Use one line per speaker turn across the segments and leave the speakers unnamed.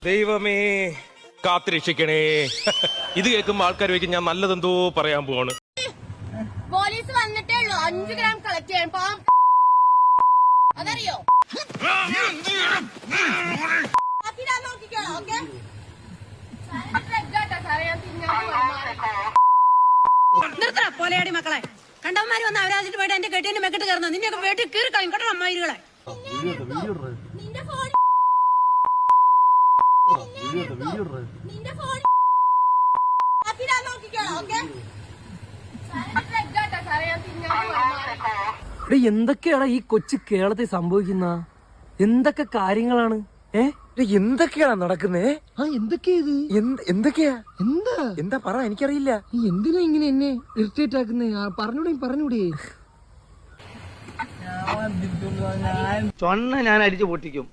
ദൈവമേ കാത്തിരക്ഷിക്കണേ. ഇത് കേൾക്കുമ്പോ ആൾക്കാർ ചോദിക്കും ഞാൻ നല്ലതെന്തോ പറയാൻ പോവാണ്.
പോലീസ് വന്നിട്ടേ ഉള്ളൂ 5 ഗ്രാം കളക്ട് ചെയ്യാൻ. അതറിയോ?
നിർത്തണ പോലെയാടി മക്കളെ. കണ്ടവന്മാര് വന്ന് അവരാജിട്ട് പോയിട്ട് എന്റെ കെട്ടിന്റെ മെക്കിട്ട് കയറുന്ന നിന്നെയൊക്കെ വീട്ടിൽ കീറി കളയും കേട്ടോ അമ്മായികളെ.
എന്തൊക്കെയാണ് ഈ കൊച്ചു കേരളത്തിൽ സംഭവിക്കുന്ന എന്തൊക്കെ കാര്യങ്ങളാണ്? എന്തൊക്കെയാണ് നടക്കുന്നേ? എന്തൊക്കെയാ ഇത്? എന്തൊക്കെയാ? എന്താ പറ, എനിക്കറിയില്ല. എന്തിനാ ഇങ്ങനെ എന്നെ ഇറിറ്റേറ്റ് ആക്കുന്നേ? പറഞ്ഞൂടെ?
ചൊണ്ണ ഞാൻ അടിച്ചു പൊട്ടിക്കും.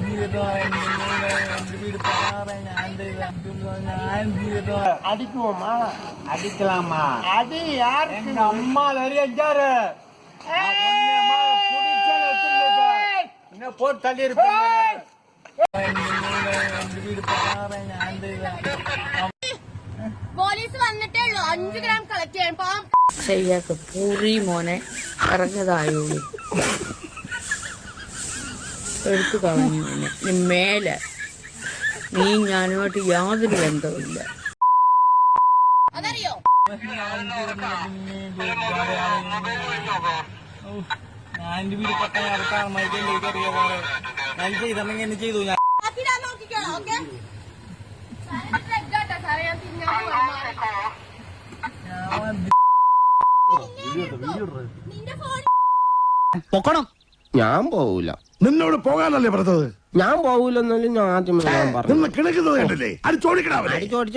அடிக்குமா அடிக்கலாமா? அடி யாரு? எங்க அம்மா நிறைய என்ன போட்டு தள்ளி இருப்பேன்.
പോലീസ് വന്നിട്ടേ ഉള്ളൂ 5 ഗ്രാം കളക്ട് ചെയ്യാൻ.
ശരിയാക്ക് പൂറി മോനെ ഇറങ്ങതായുള്ളൂ. എടുത്തു കളഞ്ഞു എന്നെ. മേലെ നീ ഞാനുമായിട്ട് യാതൊരു ബന്ധവുമില്ല.
അതറിയോ?
പൊക്കണം.
ഞാൻ പോവൂല.
നിന്നോട് പോകാനല്ലേ പറഞ്ഞത്?
ഞാൻ പോവൂലെന്നാലും ഞാൻ ആദ്യമേ പറഞ്ഞു.
കിടക്കുന്നത് കണ്ടില്ലേ? അടിച്ചോടിക്കണ